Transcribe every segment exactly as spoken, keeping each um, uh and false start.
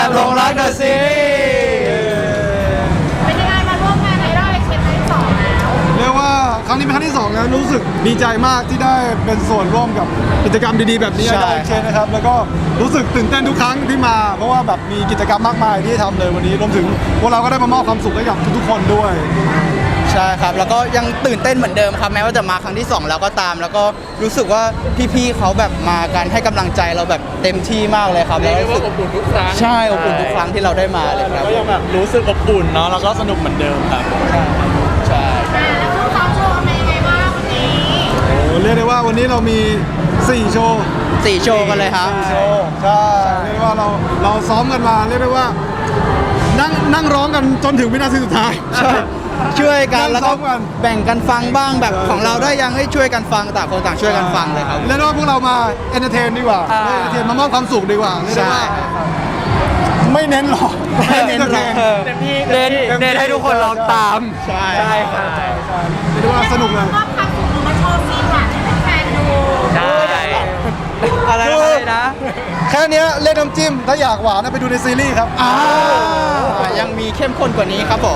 บหลงรักเดอะซีรีส์เป็นยังไงมาร่วมงานในรอบเอ็กเซนครั้งที่สองแล้วเรียกว่าครั้งนี้เป็นครั้งที่สองแล้วรู้สึกดีใจมากที่ได้เป็นส่วนร่วมกับกิจกรรมดีๆแบบนี้ได้เชนนะครับแล้วก็รู้สึกตื่นเต้นทุกครั้งที่มาเพราะว่าแบบมีกิจกรรมมากมายที่ทำเลยวันนี้รวมถึงพวกเราก็ได้มามอบความสุขให้กับทุกๆคนด้วยใช่ครับแล้วก็ยังตื่นเต้นเหมือนเดิมครับแม้ว่าจะมาครั้งที่สองแล้วก็ตาม แล้วก็รู้สึกว่าพี่ๆเขาแบบมากันให้กำลังใจเราแบบเต็มที่มากเลยครับแล้วรู้สึกอบอุ่นทุกครั้งใช่อบอุ่นทุกครั้งที่เราได้มาเลยครับก็ยังแบบรู้สึกอบอุ่นเนาะแล้วก็สนุกเหมือนเดิมครับใช่อ่าแล้วช่วงซ้อมโชว์เป็นยังไงบ้างวันนี้โอ้เรียกได้ว่าวันนี้เรามีสี่โชว์สี่โชว์กันเลยครับโชว์ใช่เรียกได้ว่าเราเราซ้อมกันมาเรียกได้ว่านั่งนั่งร้องกันจนถึงวินาทีสุดท้ายใช่ช่วยกันแล้วก็ซ้อมกันแบ่งกันฟังบ้างแบบใช่ของเราได้ยังให้ช่วยกันฟังต่างคนต่างช่วยกันฟังเลยครับเรียกได้ว่าพวกเรามาเอนเตอร์เทนดีกว่าอ่าเอนเตอร์เทนมามอบความสุขดีกว่าเรียกได้ใช่ว่าไม่เน้นหรอกไม่เน้นหรอกเต็มที่เน้นเน้นให้ทุกคนลองตามใช่ใช่ครับเรียกได้ว่าสนุกเลยมอบความสุขมาโชว์ซีนหวานให้แฟนๆดูใช่อะไรคืออะไรนะแค่เนี้ยเล่นน้ำจิ้มถ้าอยากหวานนะไปดูในซีรีส์ครับอ่ายังมีเข้มข้นกว่านี้ครับผม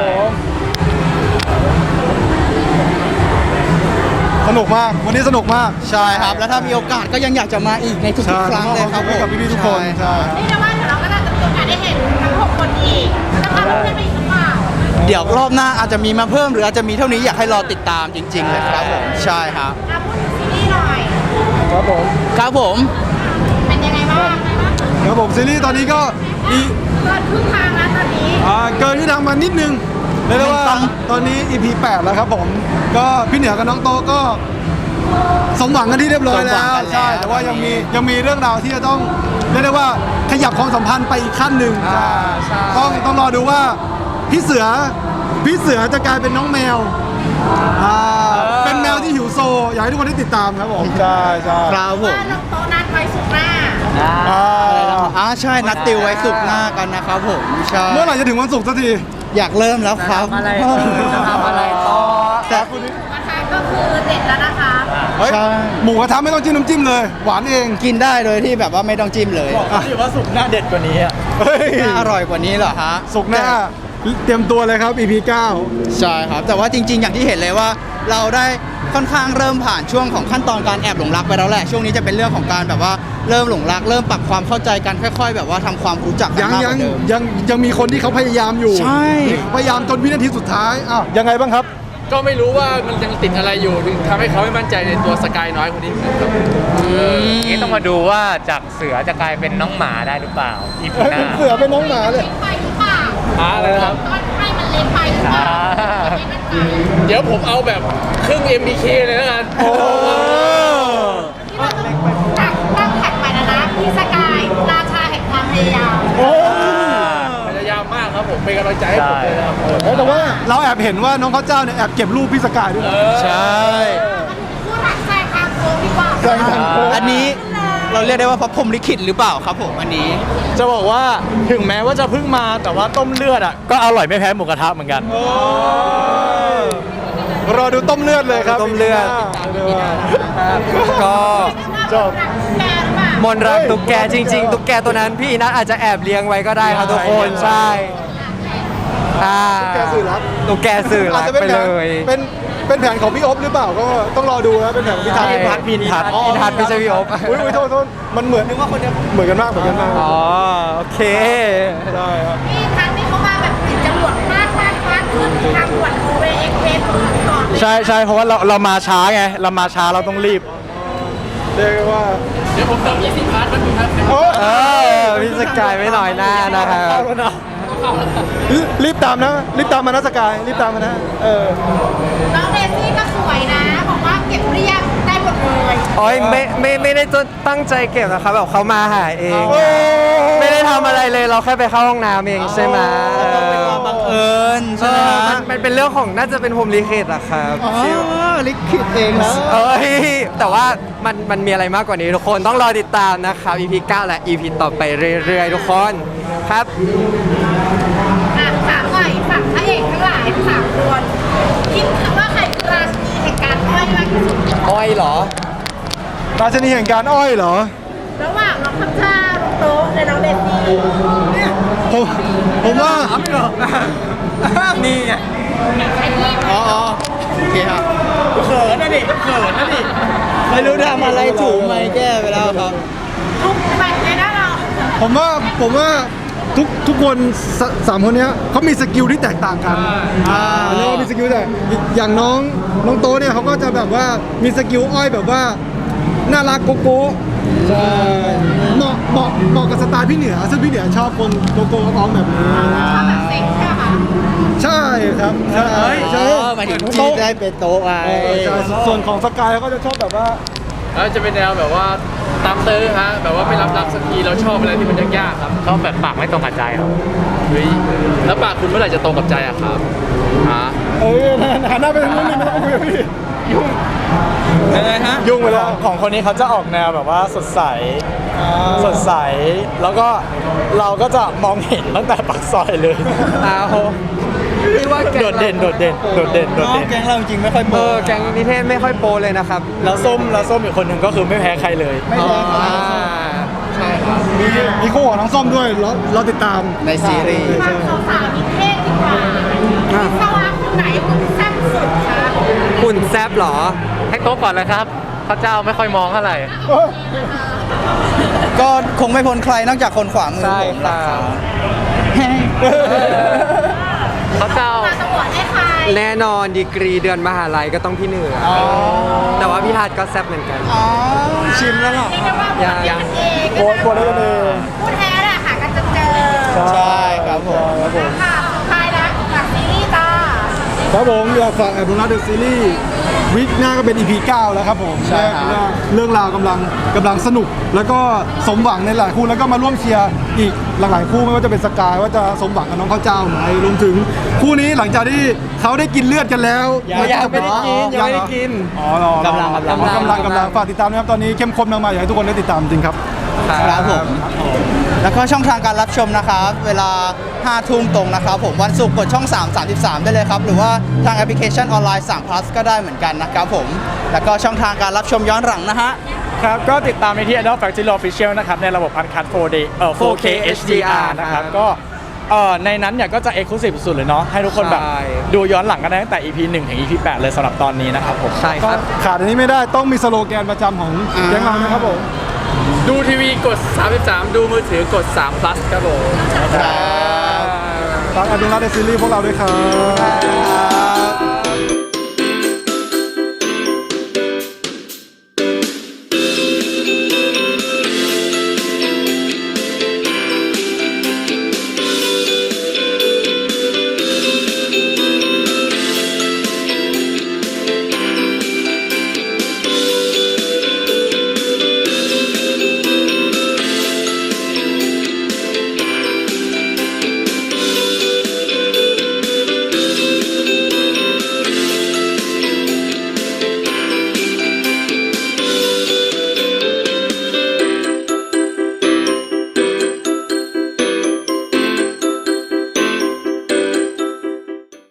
สนุกมากวันนี้สนุกมากใช่ครับ แล้วถ้ามีโอกาสก็ยังอยากจะมาอีกในทุกๆครั้งเลยครับผมกับพี่ๆทุกคนใช่ใช่นี่นะว่าเดี๋ยวเราก็น่าจะมีโอกาสได้เห็นทั้งหกคนอีกแล้วถ้าเพื่อนๆไปอีกหรือเปล่าเดี๋ยวรอบหน้าอาจจะมีมาเพิ่มหรืออาจจะมีเท่านี้อยากให้รอติดตามจริง ๆ เลยครับผมใช่ครับอ่ะพูดถึงซีรีส์หน่อยครับผมครับผมเป็นยังไงบ้างไงบ้างครับผมซีรีส์ตอนนี้ก็อีเกินครึ่งทางแล้วตอนนี้อ่าเกินที่ทางมานิดนึงเรียกได้ว่าตอนนี้ อี พี แปดแล้วครับผมก็พี่เหนือกับน้องโตก็สมหวังกันที่เรียบร้อยแล้วใช่แต่ว่ายังมียังมีเรื่องราวที่จะต้องเรียกได้ว่าขยับความสัมพันธ์ไปอีกขั้นหนึ่งใช่ต้องต้องรอดูว่าพี่เสือพี่เสือจะกลายเป็นน้องแมวอ่าเป็นแมวที่หิวโซอยากให้ทุกคนได้ติดตามครับผมใช่ใช่ครับผมว่าน้องโตนัดไว้สุกร์หน้าอ่าอ่าใช่นัดติวไว้สุกร์หน้ากันนะครับผมใช่เมื่อไหร่จะถึงวันศุกร์สักทีอยากเริ่มแล้วครับอะไรจะทำอะไรต่อแต่นะคะก็คือเด็ดแล้วนะคะเฮ้ยใช่หมูกระทะไม่ต้องจิ้มน้ำจิ้มเลย หวานเองกินได้โดยที่แบบว่าไม่ต้องจิ้มเลยถือว่าสุกหน้าเด็ดกว่านี้อ่ะเฮ้ยน่าอร่อยกว่านี้เหรอฮะศุกร์หน้าเตรียมตัวเลยครับ อี พี เก้าใช่ครับ แต่ว่าจริง ๆ อย่างที่เห็นเลยว่า เราได้ค่อนข้างเริ่มผ่านช่วงของขั้นตอนการแอบหลงรักไปแล้วแหละช่วงนี้จะเป็นเรื่องของการแบบว่าเริ่มหลงรัก เริ่มปรับความเข้าใจกันค่อย ๆ แบบว่าทำความรู้จักกันยังมากกยังว่าเดิมยังยังมีคนที่เขาพยายามอยู่ใช่พยายามจนวินาทีสุดท้ายอ้าวยังไงบ้างครับก็ไม่รู้ว่ามันยังติดอะไรอยู่ถึงทำให้เขาไม่มั่นใจในตัวสกายน้อยคนนี้ครับนี่ต้องมาดูว่าจากเสือจะกลายเป็นน้องหมาได้หรือเปล่าอีพีหน้าเสือเป็นน้องหมาเลยเล็กไปหรือเปล่าหาอะไรนะครับตอนให้มันเล็กไปหรือเปล่าอ่าไม่มั่นใจเดี๋ยวผมเอาแบบครึ่ง เอ็ม บี เค เลยแล้วกันโอ้ที่เราต้องตั้งตั้งแท็กใหม่แล้วนะพี่สกายราชาแห่งความพยายามโอ้พยายามมากครับผมเป็นกำลังใจให้ผมเลยนะครับแต่ว่าเราแอบเห็นว่าน้องข้าวเจ้าเนี่ยแอบเก็บรูปพี่สกายด้วยนะใช่พูดหลักแซงทางโค้งดีกว่าแซงทางโค้งอันนี้เราเรียกได้ว่าพระพรหมลิขิตหรือเปล่าครับผมอันนี้จะบอกว่าถึงแม้ว่าจะเพิ่งมาแต่ว่าต้มเลือดอ่ะก็อร่อยไม่แพ้หมูกระทะเหมือนกันรอดูต้มเลือดเลยครับต้มเลือด ก็จบแกหรือเปล่ามนรักตุ๊กแกจริง ๆ ตุ๊กแกตัวนั้นพี่นัทอาจจะแอบเลี้ยงไว้ก็ได้ครับทุกคนใช่อ่าตุ๊กแกสื่อรักตุ๊กแกสื่ออารัจกจะเป็นไปแผเลนยเป็นเป็นแผนของพี่อ๊บหรือเปล่าก็ต้องรอดูนะเป็นแผนของพี่ทัศน์ใช่พี่ทัศน์อินทัศน์อินทัศน์ไม่ใช่พี่อ๊บอุ้ยอุ้ยโทษโทษมันเหมือนนึกว่าคนเนี้ยเหมือนกันมากเหมือนกันมากอ๋อโอเคได้ครับพี่ครั้งนี้เขามาแบบติดจรวดมากมากมากขึ้นทางด่วนโอเวเอ็กเพสก่อนเลยใช่ใช่เพราะว่าเราเรามาช้าไงเรามาช้าเราต้องรีบเรียกว่าเดี๋ยวผมเติมยี่สิบพาร์ทมันครับโอ้เออพี่สกายไม่หน่อยหน้านะครับรีบตามนะรีบตามมานะสกายรีบตามมานะเออน้องเดซี่ก็สวยนะ บอกว่าเก็บเรียบได้หมดเลยโอ้ยไม่ไม่ไม่ได้ตั้งใจเก็บนะครับแบบเขามาหาเองโอ้ไม่ได้ทำอะไรเลยเราแค่ไปเข้าห้องน้ำเองใช่ไหมเป็นความบังเอิญเอใช่ไหมอฮะมันมันเป็นเรื่องของน่าจะเป็นพรหมลิขิตอะครับอ๋อที่ลิขิตเองแล้วเอ้ยแต่ว่ามันมันมีอะไรมากกว่านี้ทุกคนต้องรอติดตามนะครับ อี พี เก้า และ อี พี ต่อไปเรื่อยๆทุกคนครับอ่ะถามหน่อยฝั่งพระเอกทั้งหลายทั้งสามคนคิดว่าใครคือราชินีแห่งการอ้อยมากที่สุดอ้อยเหรอราชนีแห่งการอ้อยเหรอระหว่างน้องพัชชาน้องโต๊ะและน้องเดซี่ผมผมว่านี่ไงอ๋ออ๋อโอเคครับเขินนะดิเขินนะดิไม่รู้ทำอะไรถูกไหมแก้ไปแล้วครับทุกแมตช์เลยนะเราผมว่าผมว่าทุกทุกคนสสามคนเนี้ยเขามีสกิลที่แตกต่างกันอ่าเรียกว่ามีสกิลแต่อย่างน้องน้องโตเนี่ยเขาก็จะแบบว่ามีสกิลอ้อยแบบว่าน่ารักโกโก้ใช่เหมาะเหมาะเหมาะกับสไตล์พี่เหนือซึ่งพี่เหนือชอบคนโกโก้อ้อมแบบนี้ชอบแบบเซ็กใช่ไหมคะใช่ครับใช่ใช่อ๋อหมายถึงที่ได้เป็นโต๊ะไว้เออใช่ส่วนของสกายเขาก็จะชอบแบบว่าแล้วจะเป็นแนวแบบว่าตามตื้อฮะแบบว่าไม่รับรักสักทีเราชอบอะไรที่มันยากๆครับชอบแบบปากไม่ตรงกับใจครับเฮ้ยแล้วปากคุณเมื่อไหร่จะตรงกับใจอะครับฮะเออหันหน้าไปทางนู้นเลยไม่ต้องคุยกับพี่ยังไงฮะยุ่งไปแล้วของคนนี้เขาจะออกแนวแบบว่าสดใส สดใส แล้วก็เราก็จะมองเห็นตั้งแต่ปากซอยเลยอ้าวพี่ว่าแกงโดดเด่น โดดเด่น โดดเด่น โดดน้องเด่นแก๊งเราจริงๆไม่ค่อยเอโปรอแกงนิเทศไม่ค่อยโปรเลยนะครับแล้วส้มแล้วส้มอีกคนหนึ่งก็คือไม่แพ้ใครเลยไม่แพ้ใครอ่าใช่ครับมีมีคู่ของน้องส้มด้วยรอรอติดตามในซีรีส์ฟังสาวๆนิเทศดีกว่าวิศวะคนไหนคุณแซ่บสุดคะหุ่นแซบเหรอให้โต๊ะก่อนเลยครับพระเจ้าไม่ค่อยมองเท่าไหร่ก็คงไม่พ้นใครนอกจากคนขวามือใช่ผมค่ะพระเจ้ามาตำรวจได้ใครแน่นอนดีกรีเดือนมหาลัยก็ต้องพี่เหนืออแต่ว่าพี่ฮัทก็แซบเหมือนกันอ๋อชิมแล้วเหรอเรียกได้ว่าโหวตเดียวกันเองโบนโบนแล้วกันเองพูดแท้แหละค่ะกันจะเจอใช่ครับผมค่ะสุดท้ายแล้วจากซีรีส์จ้าครับผมอยากฝากแอบดูนะเดอะซีรีส์วิกหน้าก็เป็น อี พี เก้าแล้วครับผมใช่ครับและเรื่องราวกำลังกำลังสนุก แล้วก็สมหวังในหลายคู่แล้วก็มาร่วมเชียร์อีกหลายๆคู่ไม่ว่าจะเป็นสกายว่าจะสมหวังกับน้องข้าวเจ้าไหมรวมถึงคู่นี้หลังจากที่เขาได้กินเลือดกันแล้วยังไม่ได้กินยังไม่ได้กินอ๋อรอกำลังกำลังกำลังกำลังฝากติดตามนะครับตอนนี้เข้มข้นมากๆอยากให้ทุกคนได้ติดตามจริงครับครับผม แล้วก็ช่องทางการรับชมนะครับ เวลาห้าทุ่มตรงนะครับผมวันศุกร์กดช่อง สาม สามสิบสาม ได้เลยครับ หรือว่าทางแอปพลิเคชันออนไลน์ สาม plus ก็ได้เหมือนกันนะครับผม แล้วก็ช่องทางการรับชมย้อนหลังนะฮะครับ ก็ติดตามในที่ Idol Factory Official นะครับ ในระบบ Uncut โฟร์ D เอ่อ โฟร์เค เอช ดี อาร์ นะครับ ก็เอ่อในนั้นเนี่ยก็จะ Exclusive สุดเลยเนาะให้ทุกคนแบบใช่ดูย้อนหลังกันได้ตั้งแต่ อี พี หนึ่ง ถึง อี พี แปด เลยสำหรับตอนนี้นะครับผมใช่ครับขาดอันนี้ไม่ได้ต้องมีสโลแกนประจำของแก๊งเรานะครับผมดูทีวีกดสามสิบสามดูมือถือกดสาม plus ครับผมฝากแอบดูนะเดอะซีรีส์พวกเราด้วยครับ